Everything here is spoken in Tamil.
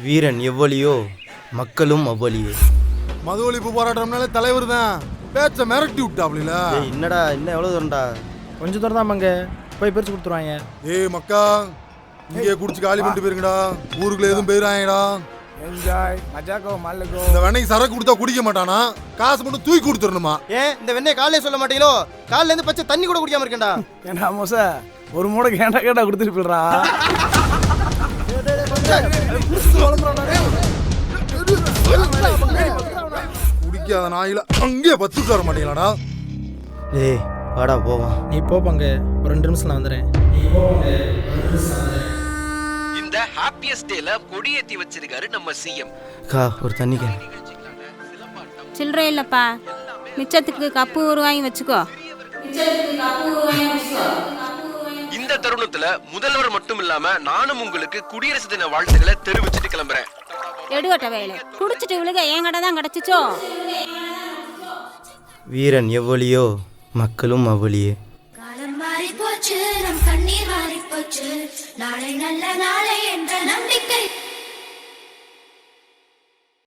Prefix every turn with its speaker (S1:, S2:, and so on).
S1: வீரன் எவ்வளியோ மக்களும் அவ்வளியே.
S2: மது ஒழிப்பு போராட்டம்னாலே தலைவர் தான் பேச்ச மிரட்டி விட்டாப்ல.
S1: என்னடா இன்னும் எவ்வளோ தூரம்டா?
S3: கொஞ்சம் தூரம் தான் மங்க, போய் பிரிச்சு கொடுத்துருவாங்க.
S2: ஏய் மக்கா, இங்கே குடிச்சு காலி பண்ணிட்டு போயிருங்கடா. ஊருக்குள்ள எதுவும் போயிடாங்கடா.
S3: என்ஜாய் மஜாக்கோ மல்லுக்கோ.
S2: இந்த வெண்ணெய் சரக்கு கொடுத்தா குடிக்க மாட்டானா? காசு மட்டும் தூக்கி கொடுத்துடணுமா?
S1: ஏன் இந்த வெண்ணெய் காலையில சொல்ல மாட்டீங்களோ? காலையில இருந்து பச்சை தண்ணி கூட குடிக்காம இருக்கேன்டா.
S3: ஏண்டா மோச, ஒரு மூடை கேட்டா கொடுத்துட்டு போயிடுறா.
S2: குடிக்காத நாயில அங்கேயே பத்து வர மாட்டீங்களாடா?
S1: ஏய் வாடா போவோம்.
S3: நீ போ பங்க, ஒரு 2 நிமிஷம் வந்துடுறேன்.
S4: இந்த ஹாப்பியஸ்ட் டேல கொடியேத்தி வச்சிருக்காரு நம்ம சிஎம்.
S1: ஒரு தண்ணி கேன்.
S5: சில்லறை இல்லப்பா, மிச்சத்துக்கு கப்பு வாங்கி வச்சுக்கோ.
S4: இந்த தருணத்துல முதல்வர் மட்டும் இல்லாம நானும் உங்களுக்கு குடியரசு தின வாழ்த்துக்களை தெரிவிச்சுட்டு கிளம்புறேன்.
S5: எடுகட்ட வேலை குடிச்சிட்டு விழுக என் கடை தான் கிடைச்சிச்சோ.
S1: வீரன் எவ்வளியோ மக்களும் அவ்வளியே.
S6: காலம் மாறி போச்சு, நம் கண்ணீர் மாறி போச்சு, நாளை நல்ல நாளை என்ற நம்பிக்கை